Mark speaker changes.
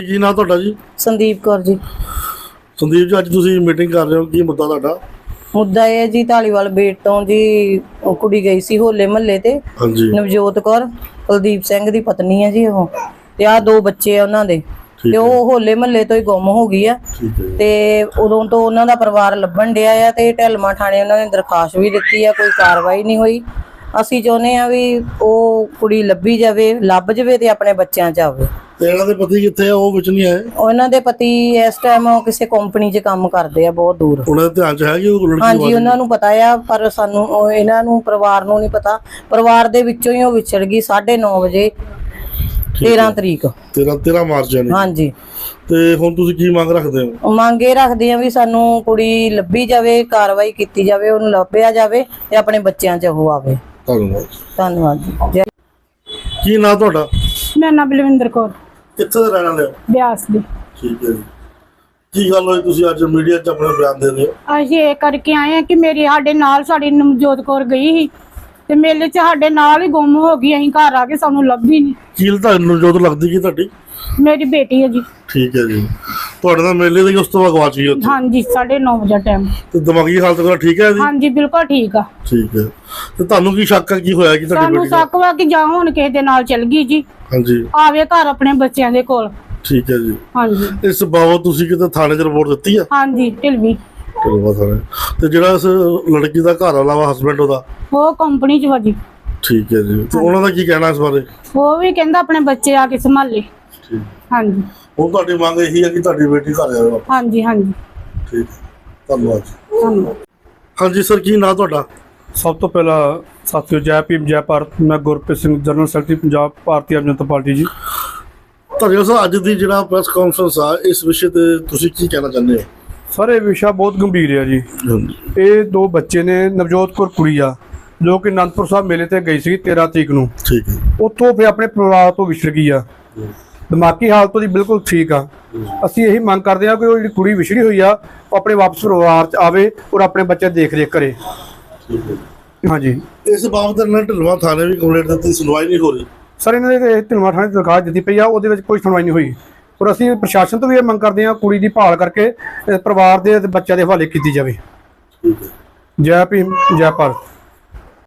Speaker 1: ਕੀ ਨਾਂ ਤੁਹਾਡਾ ਜੀ?
Speaker 2: ਸੰਦੀਪ ਕੌਰ ਜੀ।
Speaker 1: ਸੰਦੀਪ ਜੀ, ਅੱਜ ਤੁਸੀਂ ਮੀਟਿੰਗ ਕਰ ਰਹੇ ਹੋ, ਕੀ ਮੁੱਦਾ ਤੁਹਾਡਾ?
Speaker 2: ਮੁੱਦਾ ਇਹ ਜੀ ਧਾਲੀਵਾਲ ਬੇਟ ਤੋਂ ਜੀ ਉਹ ਕੁੜੀ ਗਈ ਸੀ ਹੋਲੇ ਮਹੱਲੇ ਤੇ।
Speaker 1: ਹਾਂਜੀ।
Speaker 2: ਨਵਜੋਤ ਕੌਰ ਕੁਲਦੀਪ ਸਿੰਘ ਦੀ ਪਤਨੀ ਹੈ ਜੀ ਉਹ, ਤੇ ਆ 2 ਬੱਚੇ ਆ ਉਹਨਾਂ ਦੇ, ਤੇ ਉਹ ਹੋਲੇ ਮਹੱਲੇ ਤੋਂ ਹੀ ਗੁੰਮ ਹੋ ਗਈ ਆ। ਤੇ ਉਦੋਂ ਤੋਂ ਉਹਨਾਂ ਦਾ ਪਰਿਵਾਰ ਲੱਭਣ ਡਿਆ ਆ ਤੇ ਢਲਮਾ ਥਾਣੇ ਉਹਨਾਂ ਨੇ ਦਰਖਾਸਤ ਵੀ ਦਿੱਤੀ ਆ, ਕੋਈ ਕਾਰਵਾਈ ਨਹੀਂ ਹੋਈ। ਅਸੀਂ ਚਾਹੁੰਦੇ ਆ ਵੀ ਉਹ ਕੁੜੀ ਲੱਭੀ ਜਾਵੇ, ਲੱਭ ਜਾਵੇ ਤੇ ਆਪਣੇ ਬੱਚਿਆਂ 'ਚ ਆਵੇ।
Speaker 1: ਤੇ ਇਹਨਾਂ ਦੇ ਪਤੀ ਕਿੱਥੇ ਆ? ਉਹ ਵਿੱਚ ਨਹੀਂ ਆਏ?
Speaker 2: ਉਹਨਾਂ ਦੇ ਪਤੀ ਇਸ ਟਾਈਮ ਕਿਸੇ ਕੰਪਨੀ 'ਚ ਕੰਮ ਕਰਦੇ ਆ, ਬਹੁਤ ਦੂਰ।
Speaker 1: ਉਹਨਾਂ ਦੇ ਧਿਆਨ 'ਚ ਹੈ ਕਿ ਉਹ ਲੜਕੀ?
Speaker 2: ਹਾਂਜੀ, ਉਹਨਾਂ ਨੂੰ ਪਤਾ ਆ, ਪਰ ਸਾਨੂੰ ਇਹਨਾਂ ਨੂੰ ਪਰਿਵਾਰ ਨੂੰ ਨਹੀਂ ਪਤਾ। ਪਰਿਵਾਰ ਦੇ ਵਿੱਚੋਂ ਹੀ ਉਹ ਵਿਛੜ ਗਈ 9:30 ਵਜੇ 13 ਤਰੀਕ
Speaker 1: 13 ਮਾਰਚ ਨੂੰ।
Speaker 2: ਹਾਂਜੀ।
Speaker 1: ਤੇ ਹੁਣ ਤੁਸੀਂ ਕੀ ਮੰਗ ਰੱਖਦੇ ਹੋ?
Speaker 2: ਮੰਗ ਇਹ ਰੱਖਦੇ ਆ ਵੀ ਸਾਨੂੰ ਕੁੜੀ ਲੱਭੀ ਜਾਵੇ, ਕਾਰਵਾਈ ਕੀਤੀ ਜਾਵੇ, ਉਹਨੂੰ ਲੱਭਿਆ ਜਾਵੇ ਤੇ ਆਪਣੇ ਬੱਚਿਆਂ 'ਚ ਉਹ ਆਵੇ।
Speaker 1: ਧੰਨਵਾਦ।
Speaker 2: ਧੰਨਵਾਦ ਜੀ।
Speaker 1: ਕੀ ਨਾਂ ਤੁਹਾਡਾ?
Speaker 3: ਮੇਰਾ ਨਾਮ ਬਲਵਿੰਦਰ ਕੌਰ,
Speaker 1: ਕਿੱਥੇ ਦੇ ਰਹਿਣ ਵਾਲੇ ਹੋ?
Speaker 3: ਬਿਆਸ ਦੀ।
Speaker 1: ਠੀਕ ਹੈ ਜੀ। ਕੀ ਗੱਲ ਹੋਈ, ਤੁਸੀਂ ਅੱਜ ਮੀਡੀਆ 'ਚ ਆਪਣਾ ਬਿਆਨ ਦੇ ਰਹੇ ਹੋ?
Speaker 3: ਅਸੀਂ ਇਹ ਕਰਕੇ ਆਏ ਆ ਕਿ ਸਾਡੇ ਨਾਲ ਸਾਡੀ ਨਵਜੋਤ ਕੌਰ ਗਈ ਸੀ ਤੇ ਮੇਲੇ 'ਚ ਸਾਡੇ ਨਾਲ ਹੀ ਗੁੰਮ ਹੋ ਗਈ। ਅਸੀਂ ਘਰ ਆ ਕੇ ਸਾਨੂੰ ਲੱਭੀ ਨਹੀਂ।
Speaker 1: ਕੀ ਤੁਹਾਨੂੰ ਜੋਤ ਲੱਗਦੀ ਕੀ ਤੁਹਾਡੀ?
Speaker 3: ਮੇਰੀ ਬੇਟੀ ਹੈ ਜੀ।
Speaker 1: ਠੀਕ ਹੈ ਜੀ। ਤੁਹਾਡੇ ਨਾਲ ਮੇਲੇ ਦੇ ਉਸ ਤੋਂ ਬਾਅਦ ਗਵਾਚ ਗਈ ਉੱਥੇ?
Speaker 3: ਹਾਂਜੀ, 9:30 ਵਜੇ ਟਾਈਮ।
Speaker 1: ਤੇ ਦਿਮਾਗੀ ਹਾਲਤ ਵਗੈਰਾ ਠੀਕ ਹੈ ਜੀ?
Speaker 3: ਹਾਂਜੀ, ਬਿਲਕੁਲ ਠੀਕ ਆ।
Speaker 1: ਠੀਕ ਹੈ। ਤੇ ਤੁਹਾਨੂੰ ਕੀ ਸ਼ੱਕ ਹੈ, ਕੀ ਹੋਇਆ ਕਿ ਤੁਹਾਡੀ
Speaker 3: ਸਾਨੂੰ
Speaker 1: ਬੇਟੀ ਦਾ?
Speaker 3: ਸ਼ੱਕ ਵਾ ਕਿ ਜਾਂ ਹੁਣ ਕਿਸੇ ਦੇ ਨਾਲ ਚਲ ਗਈ ਜੀ,
Speaker 1: ਹਾਂਜੀ।
Speaker 3: ਆਵੇ ਘਰ ਆਪਣੇ ਬੱਚਿਆਂ ਦੇ ਕੋਲ।
Speaker 1: ਠੀਕ ਹੈ ਜੀ।
Speaker 3: ਹਾਂਜੀ।
Speaker 1: ਇਸ ਬਾਬਤ ਤੁਸੀਂ ਕਿਤੇ ਥਾਣੇ 'ਚ ਰਿਪੋਰਟ ਦਿੱਤੀ ਆ?
Speaker 3: ਹਾਂਜੀ, ਢਿਲਵੀ।
Speaker 1: ਤੇ ਜਿਹੜਾ ਇਸ ਲੜਕੀ ਦਾ ਘਰ ਵਾਲਾ ਵਾ, ਹਸਬੈਂਡ ਉਹਦਾ,
Speaker 3: ਉਹ ਕੰਪਨੀ 'ਚ ਵਾ ਜੀ।
Speaker 1: ਠੀਕ ਹੈ ਜੀ। ਤੇ ਉਹਨਾਂ ਦਾ ਕੀ ਕਹਿਣਾ ਇਸ ਬਾਰੇ?
Speaker 3: ਉਹ ਵੀ ਕਹਿੰਦਾ ਆਪਣੇ ਬੱਚੇ ਆ ਕੇ ਸੰਭਾਲੇ।
Speaker 1: ਠੀਕ।
Speaker 3: ਹਾਂਜੀ।
Speaker 1: ਹੁਣ ਤੁਹਾਡੀ ਮੰਗ ਇਹੀ ਹੈ ਕਿ ਤੁਹਾਡੀ ਬੇਟੀ ਘਰ ਆਵੇ?
Speaker 3: ਹਾਂਜੀ ਹਾਂਜੀ।
Speaker 1: ਠੀਕ। ਧੰਨਵਾਦ ਜੀ।
Speaker 3: ਧੰਨਵਾਦ।
Speaker 1: ਹਾਂਜੀ ਸਰ, ਕੀ ਨਾਂ ਤੁਹਾਡਾ?
Speaker 4: ਸਭ ਤੋਂ ਪਹਿਲਾਂ ਸਾਥੀਓ, ਜੈ ਭੀਮ ਜੈ ਭਾਰਤ। ਮੈਂ Gurpreet Singh, general secretary Punjab Bharatiya Aam Janata Party ਜੀ।
Speaker 1: ਧੰਨਵਾਦ ਸਰ। ਅੱਜ ਦੀ ਜਿਹੜਾ ਪ੍ਰੈਸ ਕਾਨਫਰੰਸ ਆ, ਇਸ ਵਿਸ਼ੇ ਤੇ ਤੁਸੀਂ ਕੀ ਕਹਿਣਾ ਚਾਹੁੰਦੇ ਹੋ?
Speaker 4: ਸਰ, ਇਹ ਵਿਸ਼ਾ ਬਹੁਤ ਗੰਭੀਰ ਹੈ ਜੀ। ਇਹ 2 ਬੱਚੇ ਨੇ, ਨਵਜੋਤ ਕੌਰ ਕੁੜੀ ਆ, ਜੋ ਕਿ ਅਨੰਦਪੁਰ ਸਾਹਿਬ ਮੇਲੇ ਤੇ ਗਈ ਸੀ 13 ਤਰੀਕ ਨੂੰ।
Speaker 1: ਠੀਕ ਹੈ।
Speaker 4: ਉੱਥੋਂ ਫਿਰ ਆਪਣੇ ਪਰਿਵਾਰ ਤੋਂ ਵਿਛੜ ਗਈ ਆ। ਦਿਮਾਗੀ ਹਾਲਤ ਉਹਦੀ ਬਿਲਕੁਲ ਠੀਕ ਆ। ਅਸੀਂ ਇਹੀ ਮੰਗ ਕਰਦੇ ਹਾਂ ਕਿ ਉਹ ਜਿਹੜੀ ਕੁੜੀ ਵਿਛੜੀ ਹੋਈ ਆ, ਉਹ ਆਪਣੇ ਵਾਪਸ ਪਰਿਵਾਰ 'ਚ ਆਵੇ ਔਰ ਆਪਣੇ ਬੱਚੇ ਦੇਖ ਰੇਖ ਕਰੇ।
Speaker 1: ਠੀਕ ਹੈ।
Speaker 4: ਹਾਂਜੀ।
Speaker 1: ਇਸ ਬਾਬਤ ਇਹਨਾਂ ਢਿਲਵਾਂ ਥਾਣੇ ਵੀ ਕੰਪਲੇਂਟ ਦਿੱਤੀ, ਸੁਣਵਾਈ ਨਹੀਂ ਹੋ ਰਹੀ?
Speaker 4: ਸਰ, ਇਹਨਾਂ ਦੇ ਢਿਲਵਾਂ ਥਾਣੇ ਦਰਖਾਸਤ ਦਿੱਤੀ ਪਈ ਆ, ਉਹਦੇ ਵਿੱਚ ਕੋਈ ਸੁਣਵਾਈ ਨਹੀਂ ਹੋਈ। ਔਰ ਅਸੀਂ ਪ੍ਰਸ਼ਾਸਨ ਤੋਂ ਵੀ ਇਹ ਮੰਗ ਕਰਦੇ ਹਾਂ, ਕੁੜੀ ਦੀ ਭਾਲ ਕਰਕੇ ਪਰਿਵਾਰ ਦੇ ਬੱਚਿਆਂ ਦੇ ਹਵਾਲੇ ਕੀਤੀ ਜਾਵੇ।
Speaker 1: ਠੀਕ ਹੈ।
Speaker 4: ਜੈ ਭੀਮ ਜੈ ਭਾਰਤ।